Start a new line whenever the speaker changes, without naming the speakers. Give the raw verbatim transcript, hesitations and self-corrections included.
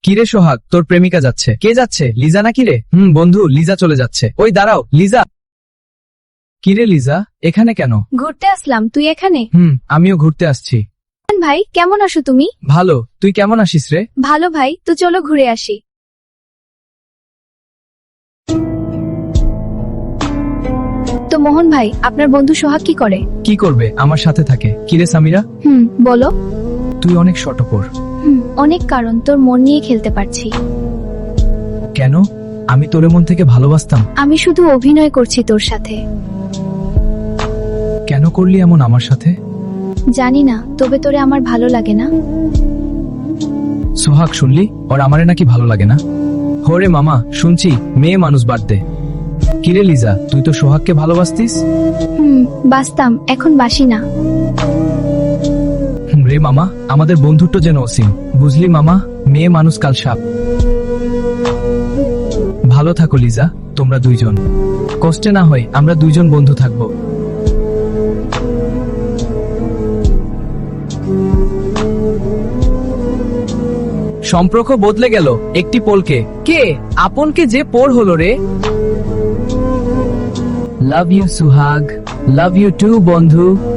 কিরে সোহাগ, তোর প্রেমিকা যাচ্ছে। কে যাচ্ছে? লিজা না কিরে? হুম বন্ধু, লিজা চলে যাচ্ছে। ওই দাঁড়াও, লিজা। কিরে লিজা, এখানে কেন?
ঘুরতে আসলাম, তুই এখানে?
হুম, আমিও ঘুরতে আসছি।
ভাই কেমন আছো তুমি?
ভালো, তুই কেমন আছিস রে?
ভালো ভাই, তো চলো ঘুরে আসি। তো মোহন ভাই, আপনার বন্ধু সোহাগ কি করে?
কি করবে, আমার সাথে থাকে। কিরে সামিরা,
হুম বলো।
তুই অনেক শটপর।
হুম অনেক কারণ, তোর মন নিয়ে খেলতে পারছি।
কেন? আমি তোর মন থেকে ভালোবাসতাম।
আমি শুধু অভিনয় করছি তোর সাথে।
কেন করলি এমন আমার সাথে?
জানি না, তবে তোরে আমার ভালো লাগে না?
সোহাগ শুনলি, ওর আমারে নাকি ভালো লাগে না। হরে মামা, শুনছি মেয়ে মানুষ বাদ দে। কিরে লিজা, তুই তো সোহাগকে ভালোবাসতিস।
হুম বাসতাম, এখন বাসি না।
হুম, রে মামা, আমাদের বন্ধুত্ব যেন অসীম। বুঝলি মামা, মেয়ে মানুষ কাল সাপ। ভালো থাকো লিজা, তোমরা দুইজন। কষ্টে না হয় আমরা দুইজন বন্ধু থাকবো। সম্পর্ক বদলে গেল একটি পোলকে। কে আপনকে যে পোর হলো রে। Love you Suhag, love you too বন্ধু।